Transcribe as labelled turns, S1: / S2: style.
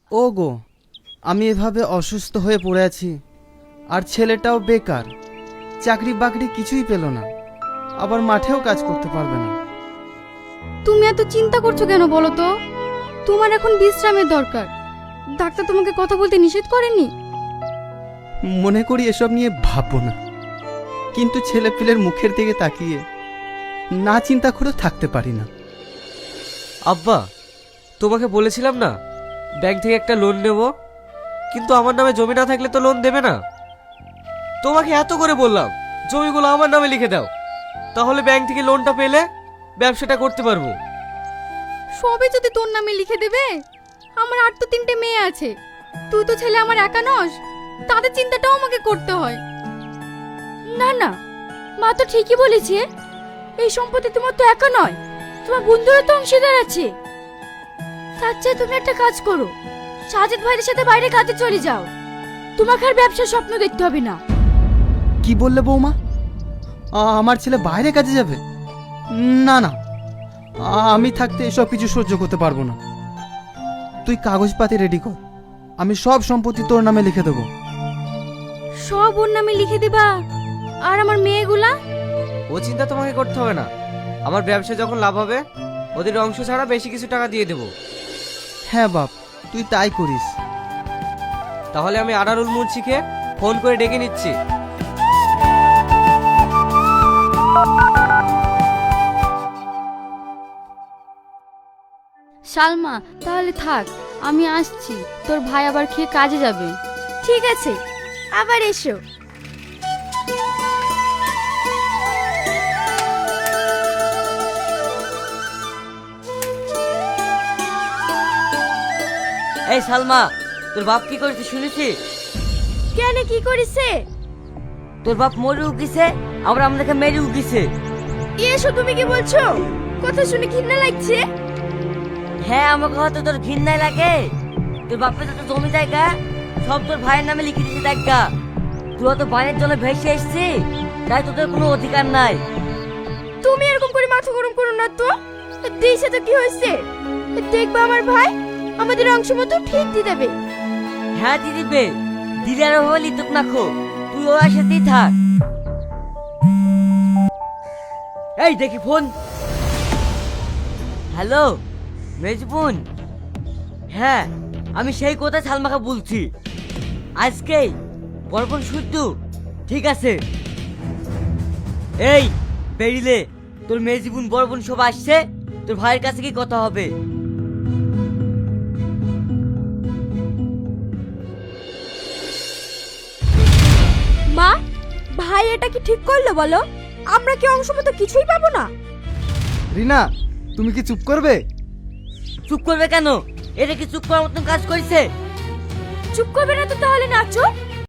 S1: ও গো, আমি এভাবে অসুস্থ হয়ে পড়ে আছি, আর ছেলেটাও বেকার, চাকরি বাকরি কিছুই পেল না, আবার মাঠেও কাজ করতে পারবে না।
S2: তুমি এত চিন্তা করছো কেন বলো তো? তোমার এখন বিশ্রামের দরকার। ডাক্তার তোমাকে কথা বলতে নিষেধ করেনি?
S1: মনে করি এসব নিয়ে ভাববো না, কিন্তু ছেলে পিলের মুখের দিকে তাকিয়ে না চিন্তা করে থাকতে পারি না।
S3: আব্বা, তোমাকে বলেছিলাম না ব্যাংক থেকে একটা লোন নেব, কিন্তু আমার নামে জমি না থাকলে তো লোন দেবে না। তোমাকে এত করে বললাম জমিগুলো আমার নামে লিখে দাও, তাহলে ব্যাংক থেকে লোনটা পেলে ব্যবসাটা করতে পারবো।
S2: সবে যদি তোর নামে লিখে দেবে, আমার আর তো 3টে মেয়ে আছে, তুই তো ছেলে আমার একা নস, তাদের চিন্তাটাও আমাকে করতে হয়। না না, মা তো ঠিকই বলেছে, এই সম্পত্তি তোমার তো একা নয়, তোমার বন্ধুরা তো অংশীদার আছে। তার চেয়ে তুমি একটা কাজ করো, সাজিদ ভাইয়ের সাথে বাইরে কাজে চলে যাও, তোমাকে আর ব্যবসার স্বপ্ন দেখতে হবে না।
S1: কি বললে বৌমা? আমার ছেলে বাইরে কাজে যাবে? না না, আমি থাকতে এসব কিছু সহ্য করতে পারবো না। তুই কাগজপাতি রেডি কর, আমি সব সম্পত্তি তোর নামে লিখে দেবো।
S2: সব ওর নামে লিখে দিবা? আর আমার মেয়েগুলা?
S3: ও চিন্তা তোমাকে করতে হবে না, আমার ব্যবসা যখন লাভ হবে ওদের অংশ ছাড়া বেশি কিছু টাকা দিয়ে দেবো।
S1: হ্যাঁ বাপ, তুই তাই করিস।
S3: তাহলে আমি আনারুল মুন্সিকে ফোন করে ডেকে নিচ্ছি।
S2: সালমা, তাহলে থাক, আমি আসছি, তোর ভাই আবার খেয়ে কাজে যাবে। ঠিক আছে, আবার এসো।
S4: এই সালমা, তোর বাপ কি করেছে শুনেছি?
S2: কেন, কি করেছে?
S4: তোর বাপ মরে উকিছে, আবার আমাদেরকে মেরে উকিছে।
S2: এসো, তুমি কি বলছো? কথা শুনে ঘৃণা লাগছে।
S4: হ্যাঁ, আমাকে হয়তো তোর ঘৃণায় লাগে। তোর বাপের যত জমি জায়গা সব তোর ভাইয়ের নামে লিখে দিয়েছে দেখা। তুই হয়তো বাইরের জন্য ভেসে এসছি, তাই তোদের কোনো অধিকার নাই।
S2: তুমি এরকম করে মাথা গরম করো না তো। দিয়েছে তো কি হয়েছে, দেখবা আমার ভাই আমাদের অংশ মতো ঠিক দিয়ে দেবে।
S4: হ্যাঁ দিদিবে, দিদার হলে লিতুক না খো, তুই ওর সাথেই থাক। এই দেখি ফোন। হ্যালো মেজবুন, হ্যাঁ আমি সেই কথা সালমাকে বলছি, আজকেই বরবন শুদ্ধ। ঠিক আছে, এই বেরিলে তোর মেজবুন বরবন সব আসছে, তোর ভাইয়ের কাছে কি কথা হবে।
S2: মা, ভাই এটা কি ঠিক করলো বলো? আমরা কি অংশ মতো কিছুই পাবো না?
S1: রিনা, তুমি কি চুপ করবে?
S4: চুপ করবে কেন? এটা কি চুপ করার মতন কাজ করেছে?
S2: চুপ করবে না তো তাহলে নাচো।